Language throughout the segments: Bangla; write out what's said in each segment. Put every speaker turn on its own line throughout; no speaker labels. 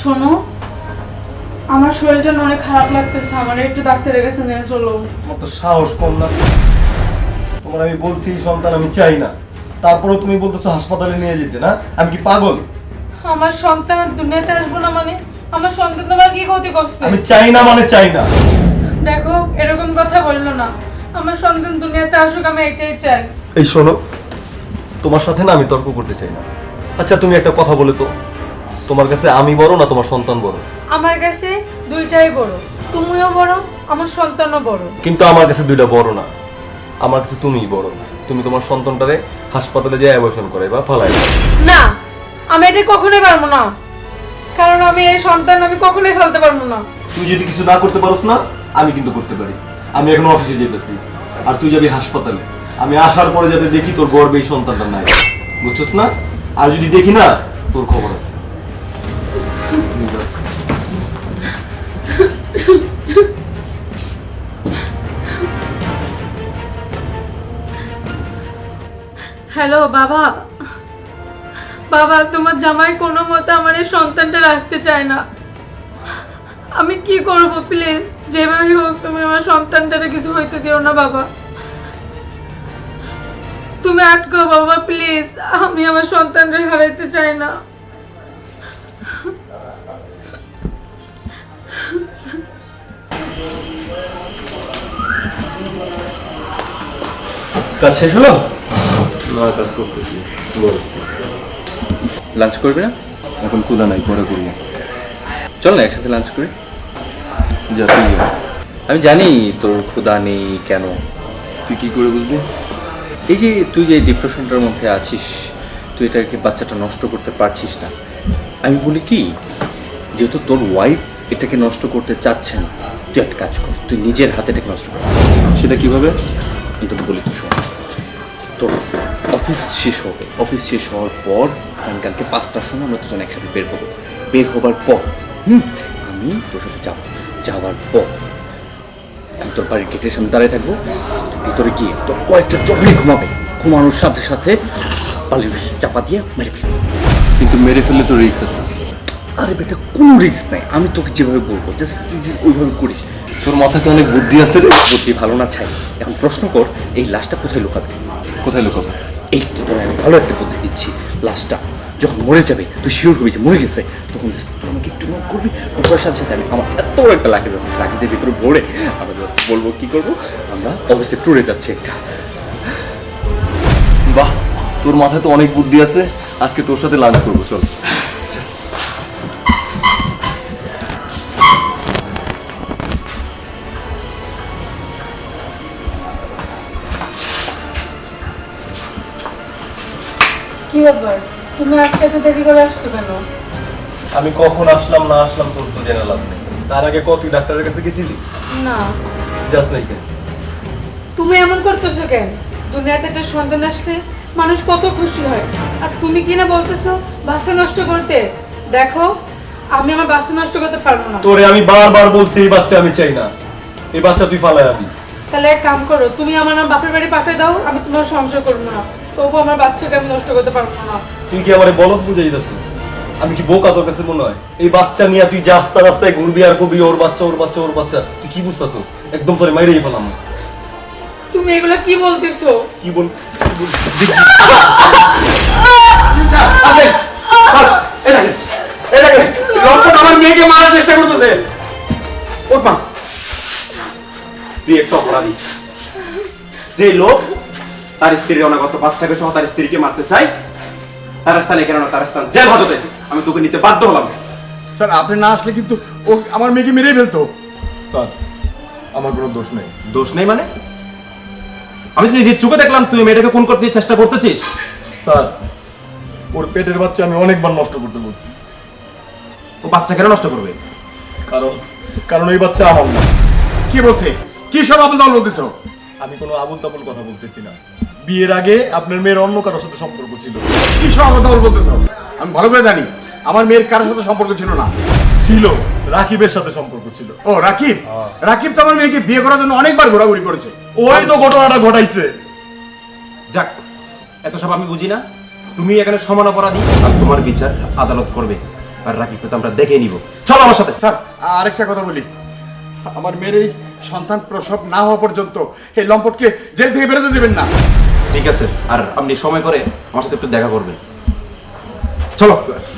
শোনো, আমার শরীরটা অনেক খারাপ লাগতেছে, আমার একটু ডাক্তারের কাছে নিয়ে চলো।
তোমার তো সাহস কম না। তোমার আমি বলছি সন্তান আমি চাই না, তারপরেও তুমি বলতেছো হাসপাতালে নিয়ে যেতে। না আমি কি পাগল?
আমার সন্তান আর দুনিয়াতে আসবো না মানে? আমার সন্তান তোমার কি ক্ষতি করছে?
আমি চাই না মানে চাই না।
দেখো, এরকম কথা বললো না। আমার সন্তান দুনিয়াতে আসুক, আমি এটাই চাই।
এই শোনো, তোমার সাথে না আমি তর্ক করতে চাই না। আচ্ছা তুমি একটা কথা বলে তো, তোমার কাছে আমি বড় না তোমার সন্তান বড়?
আমার কাছে দুইটাই বড়, তুমিও বড়, আমার সন্তানও বড়।
কিন্তু আমার কাছে দুইটা বড় না, আমার কাছে তুমিই বড়। তুমি তোমার সন্তানটারে হাসপাতালে যেয়ে অ্যাবর্শন করে বা ফালাই দাও।
না, আমি এটা কখনোই পারবো না, কারণ আমি এই সন্তান আমি কখনোই ফেলতে পারবো না।
তুই যদি কিছু না করতে পারোস না, আমি কিন্তু করতে পারি। আমি এখন অফিসে যেতেছি, আর তুই যাবি হাসপাতালে। আমি আসার পরে যাতে দেখি তোর গর্বে এই সন্তানটা নাই, বুঝছস না? আর যদি দেখি না, তোর খবর আছে।
হ্যালো বাবা, বাবা তোমার জামাই কোনো মতে আমার এই সন্তানটা রাখতে চায় না। আমি কি করব? প্লিজ যেভাবে হোক তুমি আমার সন্তানটারে কিছু হইতে দিও না বাবা। তুমি আটকাও বাবা প্লিজ, আমি আমার সন্তানটা হারাইতে চাই না।
কাজ শেষ হলো? না, কাজ করতেছি।
লাঞ্চ করবি না?
এখন ক্ষুধা নাই, পরে করবো।
চল না একসাথে লাঞ্চ করি।
যা তুই যা।
আমি জানি তোর ক্ষুধা নেই কেন।
তুই কি করে বুঝবি?
এই যে তুই যে ডিপ্রেশনটার মধ্যে আছিস, তুই এটাকে বাচ্চাটা নষ্ট করতে পারছিস না। আমি বলি কি, যেহেতু তোর ওয়াইফ এটাকে নষ্ট করতে চাচ্ছে না, তুই একটা কাজ কর, তুই নিজের হাতে এটাকে নষ্ট কর।
সেটা কিভাবে?
আমি তোকে বলি, তুই শোন। তোর অফিস শেষ হবে, অফিস শেষ হওয়ার পর কালকে 5টার সময় আমরা দুজন একসাথে বের হবো। বের হবার পর আমি তোর সাথে যাবো। যাওয়ার পর আমি তোর বাড়ির গেটের সামনে দাঁড়িয়ে থাকবো। তুই ভিতরে গিয়ে তোর ওয়াইফটা যখনই ঘুমাবে, ঘুমানোর সাথে সাথে পালিয়ে চাপা দিয়ে মেরে ফেলবি।
কিন্তু মেরে ফেললে তো রিস্ক আছে।
আরে বেটা, কোনো রিস্ক নাই, আমি তোকে যেভাবে বলবো জাস্ট তুই যদি ওইভাবে করিস।
তোর মাথায় তো অনেক বুদ্ধি আছে রে।
বুদ্ধি ভালো না চাই। এখন প্রশ্ন কর, এই লাশটা কোথায় লুকাবে?
কোথায় লুকাবো?
এই তো তোর আমি ভালো একটা বুদ্ধি দিচ্ছি। লাশটা যখন মরে যাবে, তুই শিওর হবি যে মরে গেছে, তখন জাস্ট তুই আমাকে একটু নক করবি। নকরার সাথে সাথে আমি আমার এত বড় একটা লাগেজ আছে, লাগেজের ভিতরে ভরে আমরা জাস্ট বলবো কি করবো, আমরা অফিসে ট্যুরে যাচ্ছি একটা।
বাহ, তোর মাথায় তো অনেক বুদ্ধি আছে। আজকে তোর সাথে লাঞ্চ করবো, চল।
কি ব্যাপার, তুমি আজকে এত দেরি করে আসছো কেন?
আমি কখন আসলাম না আসলাম তোর তো জেনে লাভ নেই। তার আগে তুই ডাক্তারের কাছে গেছিলি?
না।
যাস নাই কেন?
তুমি এমন করতেছো কেন? দুনিয়াতে একটা সন্তান আসলে মানুষ কত খুশি হয়, আর তুমি কি না বলতেছো বাচ্চা নষ্ট করতে? দেখো, আমি আমার বাচ্চা নষ্ট করতে পারবো না।
তোরে আমি বারবার বলছি এই বাচ্চা আমি চাই না। এই বাচ্চা তুই ফালায় আবি।
তাহলে এক কাম করো, তুমি আমার নাম বাপের বাড়ি পাঠিয়ে দাও, আমি তোমার সংসার করবো না। তবু আমার বাচ্চাকে আমি নষ্ট করতে পারবো না।
তুই কি আমারে বলদ বুঝাই দিস? আমি কি বোকা তোর কাছে মনে হয়? এই বাচ্চা নিয়ে তুই রাস্তা রাস্তায় ঘুরবি আর কবি ওর বাচ্চা ওর বাচ্চা ওর বাচ্চা। তুই কি বুঝতেছস? একদম তোরে মাইরেই ফেলাম।
তুমি এগুলা কি বলতেছো?
কি বল?
আমার মেয়েকে মারার চেষ্টা করতেছে। ওর মা, তুই একটা অপরাধী। যে লোক তার স্ত্রীর অনাগত বাচ্চাকে সহ তার স্ত্রীকে মারতে চায়, তার স্থানে কেন না তার স্থান জেল হাজতে আমি তোকে নিতে বাধ্য হলাম।
স্যার, আপনি না আসলে কিন্তু ও আমার মেয়েকে মেরেই ফেলতো।
স্যার, আমার কোনো দোষ নেই।
দোষ নেই মানে? আমি তো নিজের চোখে দেখলাম তুই মেয়েটাকে খুন করতে চেষ্টা করতেছিস।
স্যার, ওর পেটের বাচ্চা আমি অনেকবার নষ্ট করতে বলছি।
ও বাচ্চা কেন নষ্ট করবে?
কারণ এই বাচ্চা আমার না।
কি বলছে? কি সব আপনি দল বলতেছ?
আমি কোনো আবুল তাবুল কথা বলতেছি না। বিয়ের আগে আপনার মেয়ের অন্য কারোর সাথে সম্পর্ক ছিল।
কি সব আপনি দল বলতেছ? আমি ভালো করে জানি আমার মেয়ের কারোর সাথে সম্পর্ক ছিল না।
ছিল, রাকিবের সাথে সম্পর্ক ছিল।
ও রাকিব? রাকিব তো আমার মেয়েকে বিয়ে করার জন্য অনেকবার ঘোরাঘুরি করেছে।
ওই তো ঘটনাটা ঘটাইছে।
যাক, এত সব আমি বুঝি না। তুমি এখানে সমান অপরাধী আর তোমার বিচার আদালত করবে। আর রাকিবকে তো আমরা দেখে নিব। চলো আমার সাথে।
স্যার আরেকটা কথা বলি, আমার মেয়ের এই সন্তান প্রসব না হওয়া পর্যন্ত এই লম্পটকে জেল থেকে বেরোতে দেবেন না।
ঠিক আছে, আর আপনি সময় করে আমার সাথে একটু দেখা করবেন। চলো।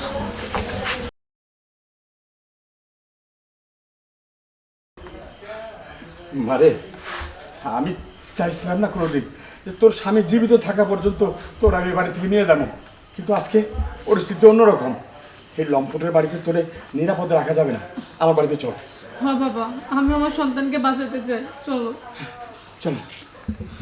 মারে, আমি চাইছিলাম না কোনোদিন যে তোর স্বামী জীবিত থাকা পর্যন্ত তোর আমি বাড়ি থেকে নিয়ে যাবো, কিন্তু আজকে পরিস্থিতি অন্যরকম। এই লম্পটের বাড়িতে তোরে নিরাপদে রাখা যাবে না, আমার বাড়িতে চল।
হ্যাঁ বাবা, আমি আমার সন্তানকে বাঁচাতে চাই, চলো।
চল।